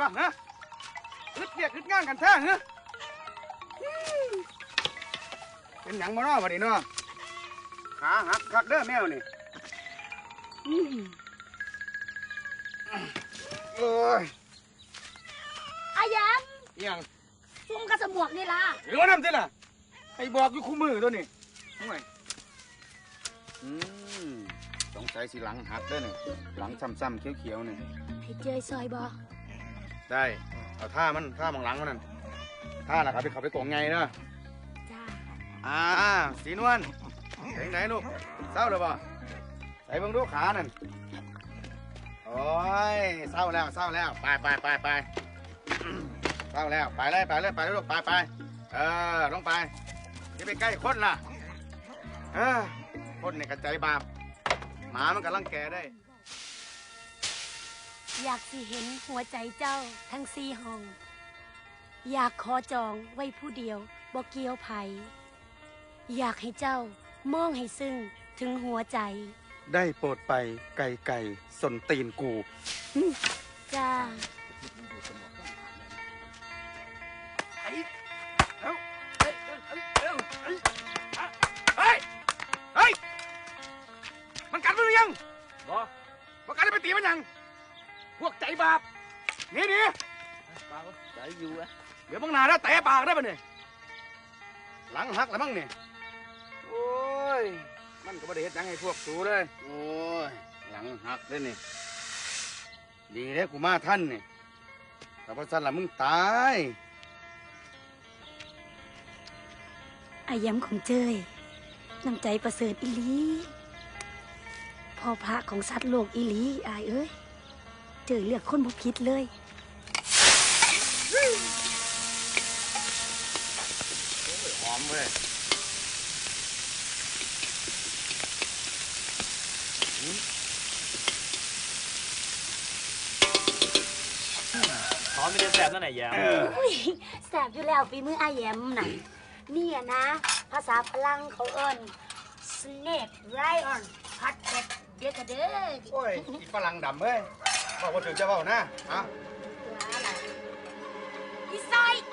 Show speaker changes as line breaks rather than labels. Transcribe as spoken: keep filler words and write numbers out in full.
วะฮะอึดเรียกอึดงานกันแท้ฮะเป็นหยังมาเนาะวันนี้เนาะขาหักคักเด้อแมวนี่โอ้ย
อายัน
ยัง
ซุ่มกระสมวกนี่ล่ะ
หรือว่าน้ำสิล่ะให้บอกอยู่คู่มือตัวนี้ห่วยอืมสงสัยสิหลังหักเด้อนี่หลังซ้ำๆเขียวๆนี่
พี่เจยซอยบอก
ได้เอาท่ามันท่ามองหลังมันนั่นท่าล่ะครับไปขับไปกงไงเนาะ
จ้า
อ่าสีนวลไหนไหนลูกเศร้าหรือเปล่าใส่เบิ่งดูขานั่นโอ้ยเศร้าแล้วเศร้าแล้วไปไปไปไปเศร้าแล้วไปเลยไปเลยไปเลยลูกไปไปเออลงไปจะไปใกล้คนล่ะเออคนเนี่ยกระจายบาปหมามันกำลังแก่ได้
อยากสิเห็นหัวใจเจ้าทั้งสี่ห้องอยากขอจองไว้ผู้เดียวบ่เกี่ยวไผอยากให้เจ้ามองให้ซึ้งถึงหัวใจ
ได้โปรดไปไก่ไก่สนตีนกู
จ้า
ไอ้เอ้าเฮ้ยเฮ้ยเฮ้ยเฮ้ยเฮ้ยมันกัดมึงยังบ่บ่กัดได้ไปตีมันยังพวกใจบาปนี่ดิปากใจอยู่อะเดี๋ยวมึงหนาแล้วแตะปากได้ปะเนี่ยหลังหักแล้วมั้งเนี่ยโอ้ยมันก็ไม่ได้เห็นยังให้พวกสูเลยโอ้ยหลังหักเลยนี่ดีแล้วกูมาท่านเนี่ยแต่พอสั้นละมึงตาย
อาย้ำของเจยน้ำใจประเสริฐอีหลีพ่อพระของสัตว์โลกอีหลีอายเอ้ยเจยเลือกคนบ่ผิดเลย
หอมเว้ย
หอมไม่ได้แสบนั่นไหนแย้ม
แสบอยู่แล้วฝีมืออาแยมน่ะนี่นะ ภาษาพลังเขาเอิ้น snake lion พัดเป็ดเดียกระเด้อ
โอ้ยอีฝรั่งดำเว้ยบอกว่าถึงจะเบานะฮะ
อะไรพี่ซอย